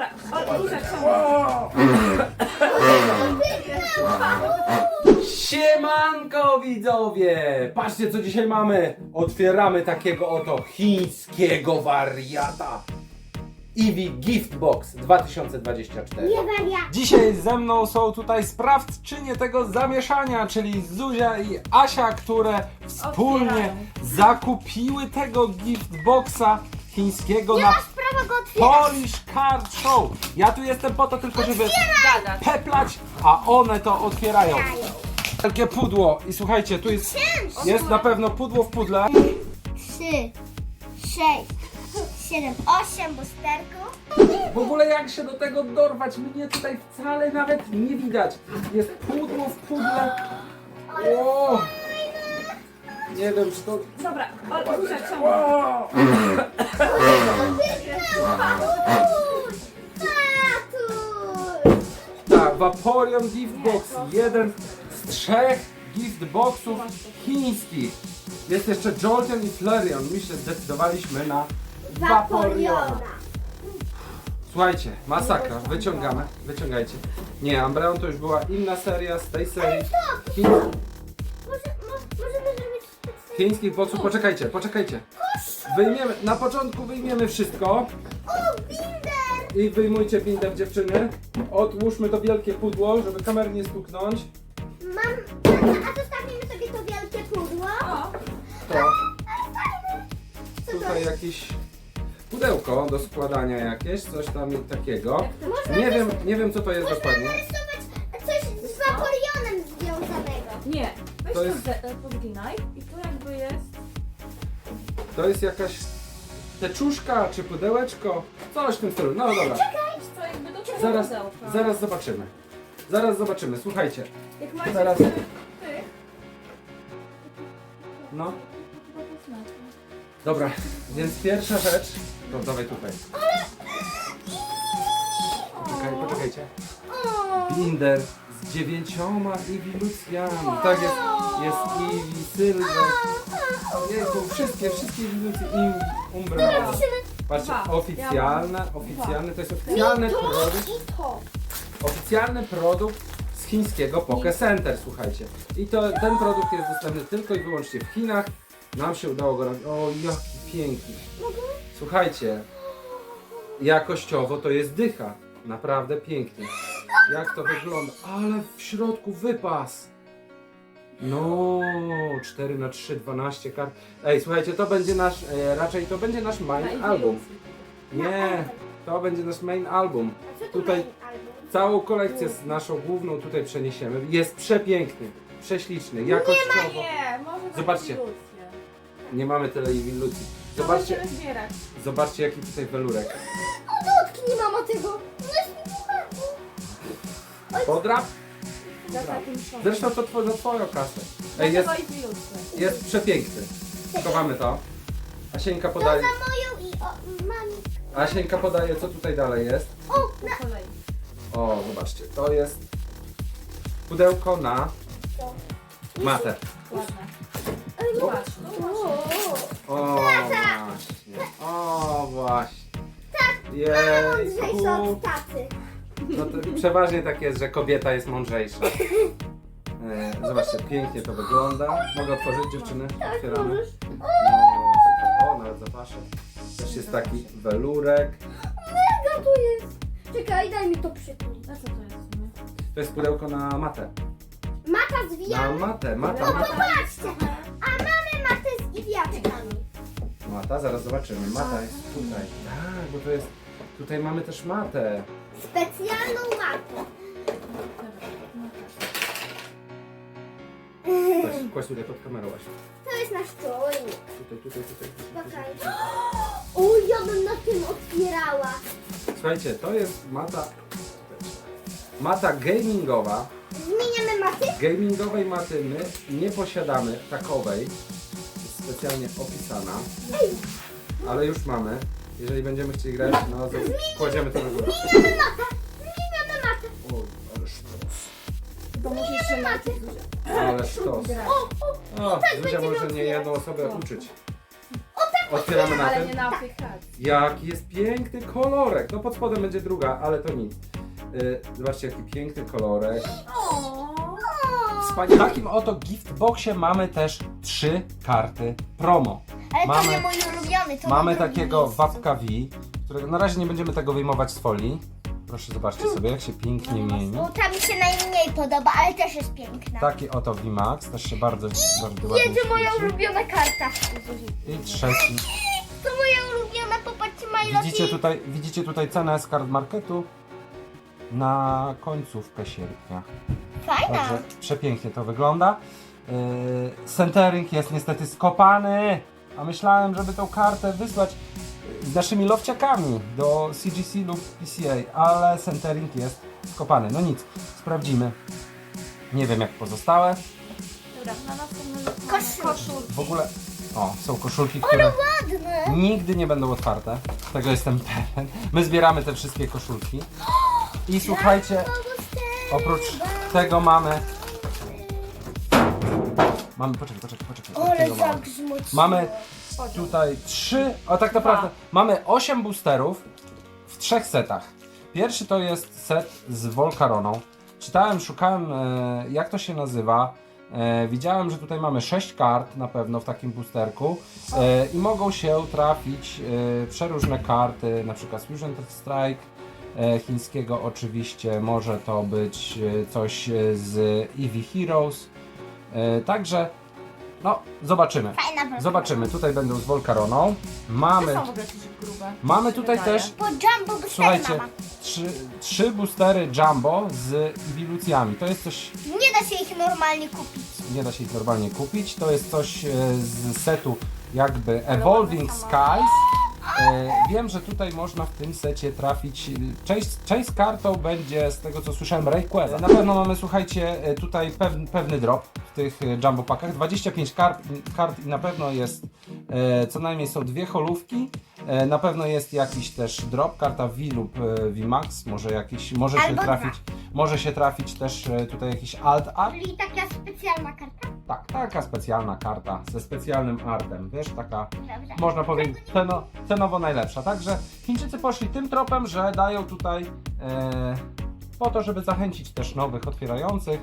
Dobra, Zuzia, ciągnij. Siemanko widzowie! Patrzcie co dzisiaj mamy! Otwieramy takiego oto chińskiego wariata. Eevee Gift Box 2024. Nie wariat. Dzisiaj ze mną są tutaj sprawczynie tego zamieszania, czyli Zuzia i Asia, które wspólnie Otwierają. zakupiły tego Gift Boxa chińskiego na Masz prawo go otwierać. Polish Card Show. Ja tu jestem po to tylko, żeby Gadać. peplać, a one to otwierają. Wielkie pudło i słuchajcie, tu jest na pewno pudło w pudle. 3, 6, 7, 8 busterków. W ogóle jak się do tego dorwać, mnie tutaj wcale nawet nie widać. Jest pudło w pudle. O! Nie wiem, czy to... Dobra, Zuzia, ciągnij. O! Tatuś! Tak, Vaporeon Gift Box. Jeden z 3 gift boxów chińskich. Jest jeszcze Jolteon i Flareon. My się zdecydowaliśmy na Vaporeona. Vaporeona. Słuchajcie, masakra, wyciągajcie. Nie, Umbreon to już była inna seria z tej serii. Możemy zrobić specjalnie. Chińskich boxów, poczekajcie. Na początku wyjmiemy wszystko. O, binder! I wyjmujcie binder dziewczyny. Odłóżmy to wielkie pudło, żeby kamery nie stuknąć. A zostawimy sobie to wielkie pudło. O, To Co to tutaj jest? jakieś pudełko do składania jakieś, coś tam takiego. Można Nie wiem co to jest dokładnie. narysować coś z Vaporeonem związanego. nie. Weź To to jest- podginaj i tu jakby jest... To jest jakaś teczuszka czy pudełeczko. Coś w tym stylu. No dobra. Wiesz co, jakby do tego pudełka. Zaraz zobaczymy. Słuchajcie. Jak macie Zaraz. tych... No. to znaczy. Dobra, więc pierwsza rzecz. To dawaj tutaj. Poczekajcie. O, Binder z 9 ewilucjami. Tak jest. Jest Eevee, Sylwek. Jejku, wszystkie ewilucje. Umbra. Patrzcie, Dwa. oficjalne, to jest oficjalny produkt. i to. Oficjalny produkt z chińskiego Poke Center, słuchajcie. I ten produkt jest dostępny tylko i wyłącznie w Chinach. Nam się udało go robić. O, jaki piękny. Słuchajcie, jakościowo to jest dycha. Naprawdę pięknie. Jak to wygląda? Ale w środku wypas. No, 4x3, 12 kart. Ej, słuchajcie, to będzie nasz, raczej to będzie nasz main album. Nie, to będzie nasz main album. A co tu Tutaj main album? całą kolekcję z naszą główną tutaj przeniesiemy. Jest przepiękny, prześliczny, jakościowo. Nie, może być Zobaczcie. ilucje. Nie mamy tyle ilucji. To Zobaczcie, będziemy zbierać. zobaczcie jaki tutaj welurek. Dotknij mama tego. No jest mi Podrap? Za takim szokiem. Zresztą to za twoją kasę. Ej, jest, Dlatego i ilucje. jest przepiękny. Schowamy to. Asieńka To podaje, za moją i mami. Asieńka podaje co tutaj dalej jest. O, Po kolei. O, zobaczcie, to jest pudełko na matę. Ładne. no. Patrz, no O, O, właśnie. O, właśnie. mądrzejsza Jejku. od taty. No to przeważnie tak jest, że kobieta jest mądrzejsza. Zobaczcie, pięknie to wygląda. Mogę otworzyć dziewczyny? Otwieramy. możesz. No, o, nawet zapaszę. Też jest taki welurek. Mega tu jest. Czekaj, daj mi to przypomnieć. A co to jest w sumie? To jest pudełko na matę. Mata Na zwijana. matę, No mata. popatrzcie. A mamy matę z iwiaczkami. Mata, zaraz zobaczymy. Mata jest tutaj. Tak, bo to jest... Tutaj mamy też matę. Specjalną matę. Kłaś tutaj pod kamerą właśnie. To jest nasz czujnik. Tutaj. Okej. O, ja bym na tym otwierała. Słuchajcie, to jest mata... Mata gamingowa. Zmieniamy maty? Gamingowej maty my nie posiadamy takowej. Jest specjalnie opisana. Ale już mamy. Jeżeli będziemy chcieli grać, no to kładziemy to na górę. Zmieniamy matę. Zmieniamy matę. Oj, ale sztos. To musi jeszcze najpierw Zuzia. Ale sztos. grać. O, O, Zuzia będziemy może nie jedną otwierać. osobę uczyć. Otwieramy na Ale tym. nie na aplikacji. Jaki jest piękny kolorek. No pod spodem będzie druga, ale to nic. Zobaczcie, jaki piękny kolorek. W takim oto giftboxie mamy też 3 karty promo. Ale Mamy- to nie mój ulubiony. To Mamy na drugim takiego miejscu. Wapka V, którego na razie nie będziemy tego wyjmować z folii. Proszę zobaczcie sobie, jak się pięknie mieni. Bo ta mi się najmniej podoba, ale też jest piękna. Taki oto VMAX, też się bardzo ładnie Jedzie moja świeci. ulubiona karta. I trzeci. To moja ulubiona, popatrzcie, My Widzicie tutaj cenę z card marketu na końcówkę sierpnia. Fajna. Także przepięknie to wygląda. Centering jest niestety skopany, a myślałem, żeby tą kartę wysłać z naszymi lowciakami do CGC lub PCA, ale centering jest skopany. No nic, sprawdzimy. Nie wiem jak pozostałe. Dobra, na następny Koszulki. W ogóle, są koszulki, które Ładne. nigdy nie będą otwarte. Tego jestem pewien. My zbieramy te wszystkie koszulki. I słuchajcie, oprócz tego mamy... Poczekaj. Ale tego mamy. zagrzmuć. Mamy tutaj 3, a tak naprawdę mamy 8 boosterów w 3 setach. Pierwszy to jest set z Volcaroną. Szukałem jak to się nazywa. Widziałem, że tutaj mamy 6 kart na pewno w takim boosterku i mogą się trafić przeróżne karty, na przykład Fusion Strike chińskiego oczywiście, może to być coś z Eevee Heroes. Także no, zobaczymy. Fajna broń. Zobaczymy. Tutaj będą z Volcaroną. To Mamy, są w ogóle coś grube. mamy tutaj Wydaje. też, Po Jumbo Booster słuchajcie, mama. 3 boostery Jumbo z ewilucjami. To jest coś, Nie da się ich normalnie kupić. nie da się ich normalnie kupić. To jest coś z setu jakby Evolving Skies. Wiem, że tutaj można w tym secie trafić. Część z kartą będzie, z tego co słyszałem, Rayquaza. Na pewno mamy, słuchajcie, tutaj pewny drop w tych jumbo packach. 25 kart i na pewno jest, co najmniej są 2 holówki. Na pewno jest jakiś też drop, karta V lub VMAX. Może się trafić też tutaj jakiś alt art. Czyli taka specjalna karta. Tak, taka specjalna karta ze specjalnym artem, wiesz, taka, Dobrze. można powiedzieć, cenowo najlepsza. Także Chińczycy poszli tym tropem, że dają tutaj po to, żeby zachęcić też nowych otwierających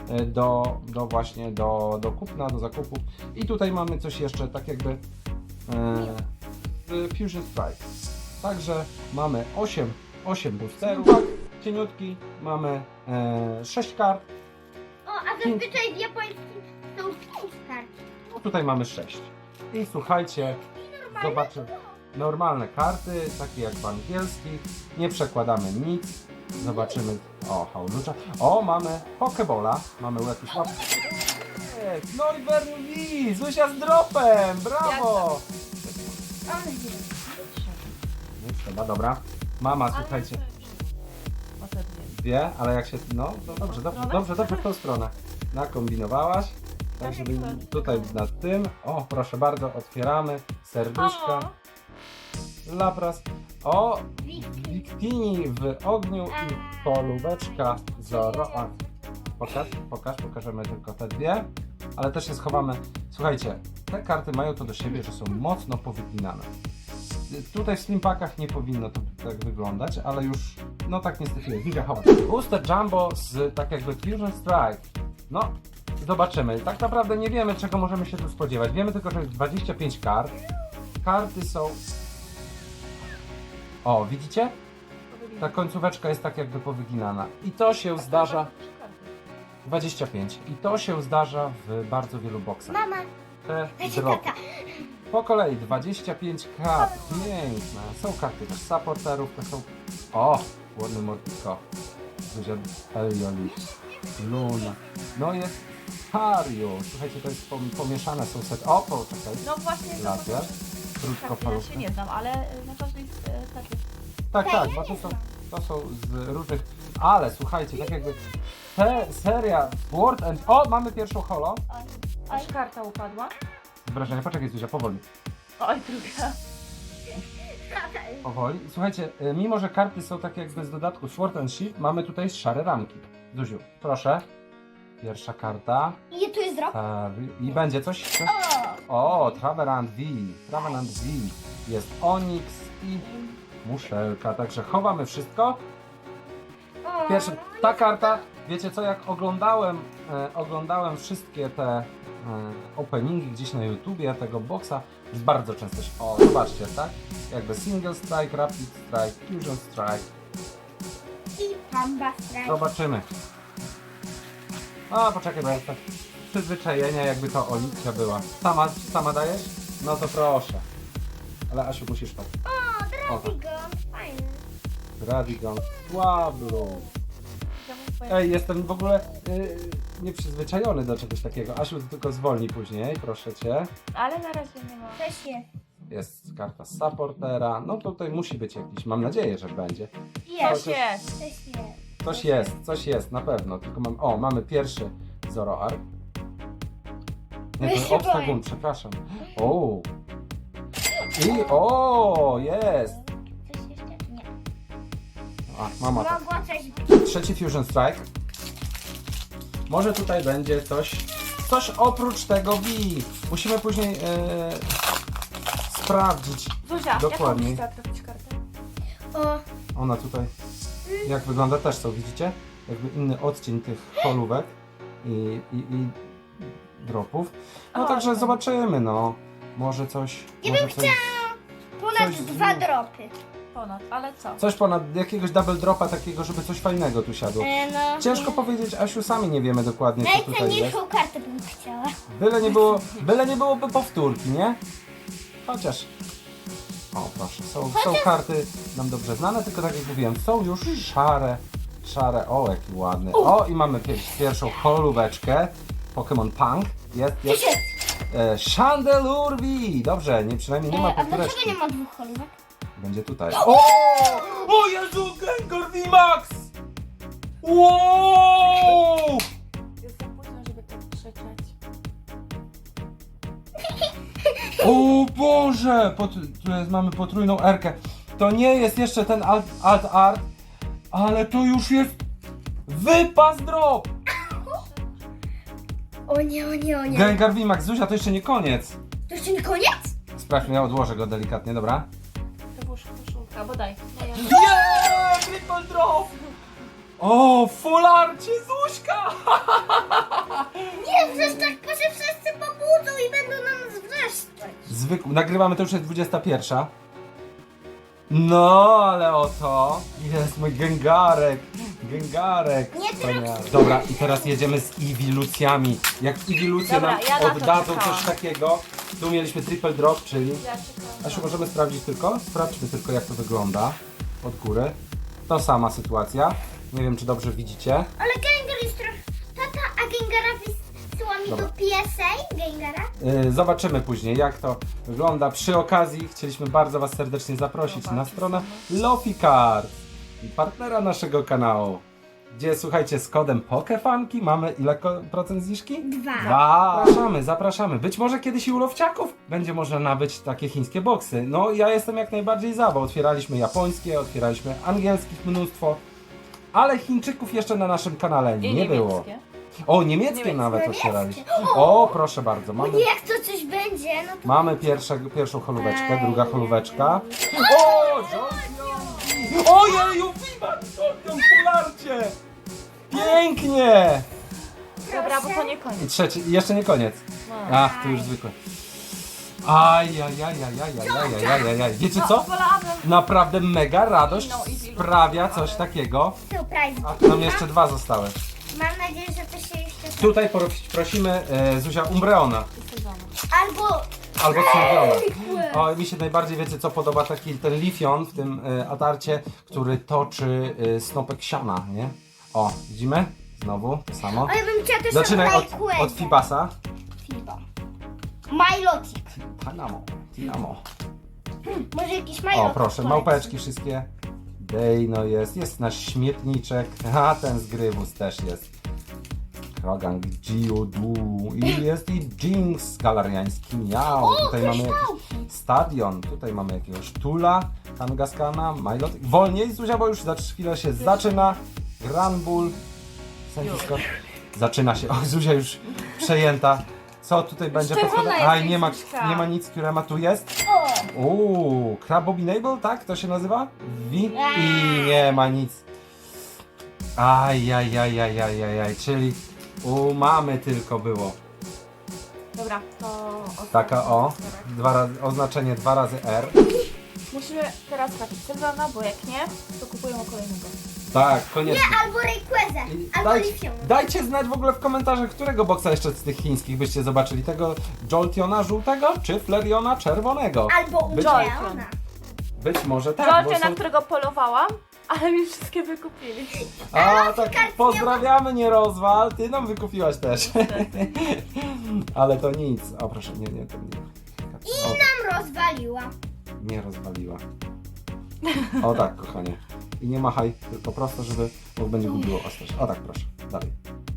do kupna, do zakupu. I tutaj mamy coś jeszcze, tak jakby Fusion Strike. Także mamy 8 boosterów, cieniutki, mamy 6 kart. O, a zazwyczaj w japońskim są 5 kart. No tutaj mamy 6. I słuchajcie, zobaczymy. Normalne karty, takie jak w angielskich. Nie przekładamy nic. Zobaczymy. O, Howlucza. O, mamy Pokebola. Mamy jakiś łap. No i Bernie, Zuzia z dropem! Brawo! Ale nie. Nie trzeba, dobra. Mama, słuchajcie, wie, ale jak się. No, dobrze, w tą stronę. Nakombinowałaś. Tak, żeby tutaj nad tym. O, proszę bardzo, otwieramy. Serduszka. Lapras. O, Victini w ogniu i polubeczka Zoro. A, pokażemy tylko te 2. Ale też je schowamy. Słuchajcie, te karty mają to do siebie, że są mocno powyginane. Tutaj w slimpackach nie powinno to tak wyglądać, ale już, no tak niestety jest. Widzę, chowa. Booster Jumbo z tak jakby Fusion Strike. No, zobaczymy. Tak naprawdę nie wiemy, czego możemy się tu spodziewać. Wiemy tylko, że jest 25 kart. Karty są... O, widzicie? Ta końcóweczka jest tak jakby powyginana. I to się zdarza... 25. I to się zdarza w bardzo wielu boksach. Mama, Te dajcie dropy. tata. Po kolei 25 kart, piękne. Są karty też supporterów, to są... O! Ładny Mortico. Zuzia Elioli. Luna. No jest Hario. Słuchajcie, to jest pomieszane, są set... O, poczekaj. No właśnie, to Laser. ja Krótkofalówka. się nie znam, ale na każdej takie. Tak, bo to są z różnych... Ale słuchajcie, tak jakby... Seria Sword and... O, mamy pierwszą holo. Aż karta upadła. Wrażenie, poczekaj Zuzia, powoli. Oj, druga. Powoli. Słuchajcie, mimo że karty są takie jakby z dodatku Sword and Shield, mamy tutaj szare ramki. Zuziu, proszę. Pierwsza karta. I tu jest drop. I będzie coś? O, Traveland V. Traveland V. Jest Onyx i muszelka. Także chowamy wszystko. Pierwszy, ta karta, wiecie co, jak oglądałem wszystkie te openingi gdzieś na YouTubie tego boxa, bardzo często się, o zobaczcie, tak? Jakby Single Strike, Rapid Strike, Fusion Strike. I Pamba Strike. Zobaczymy. A, poczekaj, bo jest tak przyzwyczajenia, jakby to Oliwcia była. Sama dajesz? No to proszę. Ale Asiu, musisz tak. O, O, tak. Dravigon. Fajny. Radigan, Słablu. Ej, jestem w ogóle nieprzyzwyczajony do czegoś takiego. Asiu, ty tylko zwolnij później, proszę cię. Ale na razie nie ma. Też jest. Jest karta supportera. No tutaj musi być jakiś, mam nadzieję, że będzie. Jest, jest. Też jest. Coś jest, na pewno. Tylko mamy pierwszy Zoroark. Nie, Ja to się Obstagoon, boję. przepraszam. O! O, jest! Coś jeszcze? Nie. A, mama tak. Mogło coś być. Trzeci Fusion Strike. Może tutaj będzie coś oprócz tego V. Musimy później sprawdzić. Zuzia, Dokładnie. jaką byś chciała trafić kartę? O, Ona tutaj, jak wygląda też co, widzicie? Jakby inny odcień tych holówek i dropów. No O, także tak. zobaczymy, no. Może coś... Ja może bym coś, ponad Coś 2 z- dropy. Ponad, ale co? coś ponad jakiegoś double dropa takiego, żeby coś fajnego tu siadło. No, Ciężko nie. powiedzieć, Asiu, sami nie wiemy dokładnie, co tutaj jest. Najcenniejszą kartę bym chciała. Byle nie byłoby powtórki, nie? Chociaż... O, proszę, są karty nam dobrze znane, tylko tak jak mówiłem, są już szare, o jaki ładny. O, i mamy pierwszą holóweczkę, Pokémon Punk, jest. Chandelurvi! Dobrze, przynajmniej nie ma A dlaczego powtóreczki. nie ma 2 holówek? Będzie tutaj. O Jezu, Gengar VMAX! Wow! Jest za późno, żeby tak krzyczeć. O Boże! Mamy potrójną R-kę. To nie jest jeszcze ten alt art, ale to już jest wypas drop! O nie, o nie, o nie. Gengar VMAX, Zuzia, to jeszcze nie koniec. To jeszcze nie koniec? Sprawdźmy, ja odłożę go delikatnie, dobra? To było koszulka, bo daj. Yeah! Triple drop! O, full arcie, Zuśka! Nie, przecież tak się wszyscy pobudzą i będą na nas wreszcie. Nagrywamy, to już jest 21. No, ale oto jest mój Gengarek. Nie Wspaniały. Dobra, i teraz jedziemy z Ewilucjami. Jak Ewilucje Dobra, nam ja na to oddadzą czekałam. coś takiego, tu mieliśmy triple drop, czyli... Ja czekam. Asiu, możemy sprawdzić tylko? Sprawdźmy tylko, jak to wygląda od góry. To sama sytuacja. Nie wiem, czy dobrze widzicie. Ale Gengar jest trochę... Tata, a Gengara wysyła mi Dobra. do PSA? Gengara? Zobaczymy później, jak to wygląda. Przy okazji chcieliśmy bardzo Was serdecznie zaprosić na stronę Loficard, partnera naszego kanału, gdzie, słuchajcie, z kodem POKEFANKI mamy ile procent zniżki? 2. Zapraszamy. Być może kiedyś i u Lowciaków będzie można nabyć takie chińskie boksy. No, ja jestem jak najbardziej za, bo otwieraliśmy japońskie, otwieraliśmy angielskich mnóstwo, ale Chińczyków jeszcze na naszym kanale I nie było. niemieckie. O, niemieckie nawet otwieraliśmy. O, proszę bardzo, O mamy... nie, jak to coś będzie, no to... Mamy pierwszą holóweczkę, druga holóweczka. Ej. O, Johnson! Ojeju, Viva Johnson w polarcie! Pięknie! Dobra, bo to nie koniec. I trzeci, i jeszcze nie koniec. No. Ach, to już zwykłe. Ajajajajajajajajajajaj. Wiecie co? Wolałabym. Naprawdę mega radość No, i wielu. sprawia coś takiego. Surprise. A tu nam jeszcze 2 zostały. Mam nadzieję, że to się jeszcze... Tutaj prosimy Zuzia Umbreona. Albo... Albo Sylwiona. O, mi się najbardziej, wiecie co, podoba taki ten Lifion w tym atarcie, który toczy snopek siana, nie? O, widzimy? Znowu to samo. Ale bym chciała też Zaczynaj Rayquaza. od Fibasa. Fiba. Milotic. Tinamo. Może jakiś Milotic. O, proszę, małpeczki wszystkie. Dejno jest nasz śmietniczek. A, ten z Grywus też jest. Krogan, Geodu i jest i Jinx galariański miał. Tutaj mamy jakiś stadion, tutaj mamy jakiegoś Tula, Kangaskana, Milot. Wolniej, Zuzia, bo już za chwilę się zaczyna. Granbull. Zaczyna się. O, Zuzia już przejęta. Co tutaj będzie czerwona podpowiadane? jest Aj, książka. nie ma nic, Kurema tu jest. O! Crabominable, tak? To się nazywa? I nie ma nic. Ajajajajajajaj, czyli mamy tylko było. Dobra, to... Taka o, oznaczenie 2 razy R. Musimy teraz trafić Sylwana, bo jak nie, to kupujemy kolejnego. Tak, koniecznie. Albo Rayquaza, I albo Lifion. dajcie znać w ogóle w komentarzach, którego boksa jeszcze z tych chińskich byście zobaczyli. Tego Joltiona żółtego, czy Flareona czerwonego? Albo Być- Uleona. Być może tak, Żolcie, bo na są... którego polowałam, ale mi wszystkie wykupili. A, tak, pozdrawiamy, nie rozwal, ty nam wykupiłaś też. Ale to nic. O proszę, nie, to nie. O, Tam rozwaliła. nie rozwaliła. O tak, kochanie. I nie machaj, tylko prosto, żeby bo będzie gubiło ostrość. O tak, proszę. Dalej.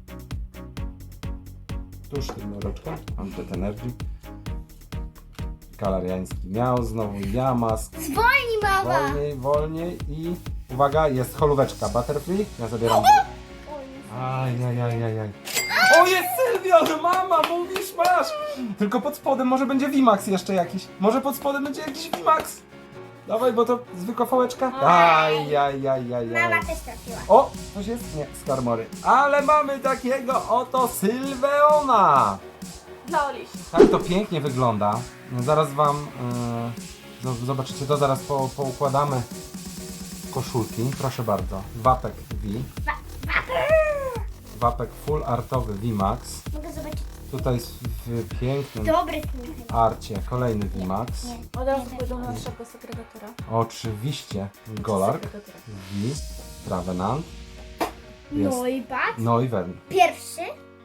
Tuż tym mroczkiem. Mam Jet Energy. Galariański miał, znowu Yamask. Zwolnij, mama. Wolniej i uwaga, jest holóweczka Butterfree. Ja zabieram. Ajajajajaj. O, jest Sylwian! Mama, mówisz, masz! Tylko pod spodem może będzie VMAX jeszcze jakiś. Może pod spodem będzie jakiś VMAX. Dawaj, bo to zwykła fałeczka. Ajajajajaj. Mama też trafiła. O, coś jest? Nie, Skarmory. Ale mamy takiego oto Sylveona. Dla Oliś. Tak to pięknie wygląda. Zaraz wam zobaczycie to, zaraz poukładamy koszulki. Proszę bardzo. Wapek V. Wapek full artowy VMAX. Mogę zobaczyć. Tutaj w pięknym Dobry sniff. arcie kolejny VMAX. Nie. Od razu pójdą na naszego segregatora. Oczywiście Golark Segregatora. V. Travenant. Jest No i patrz. Noivern. Pierwszy.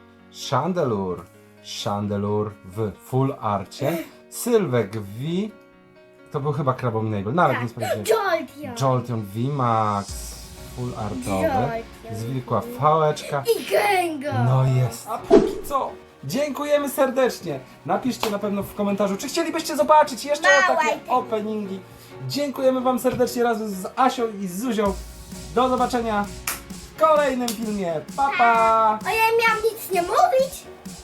Chandelure w full arcie. Sylwek V. To był chyba Crabominable. Nawet nie sprawdziłem. Jolteon. Jolteon VMAX. Full artowy. Jolteon. Zwykła fałeczka. I Gengar. No jest. A póki co, dziękujemy serdecznie. Napiszcie na pewno w komentarzu, czy chcielibyście zobaczyć jeszcze Małe takie itemy. openingi. Dziękujemy wam serdecznie razem z Asią i z Zuzią. Do zobaczenia w kolejnym filmie. Pa, pa! A ja miałam nic nie mówić.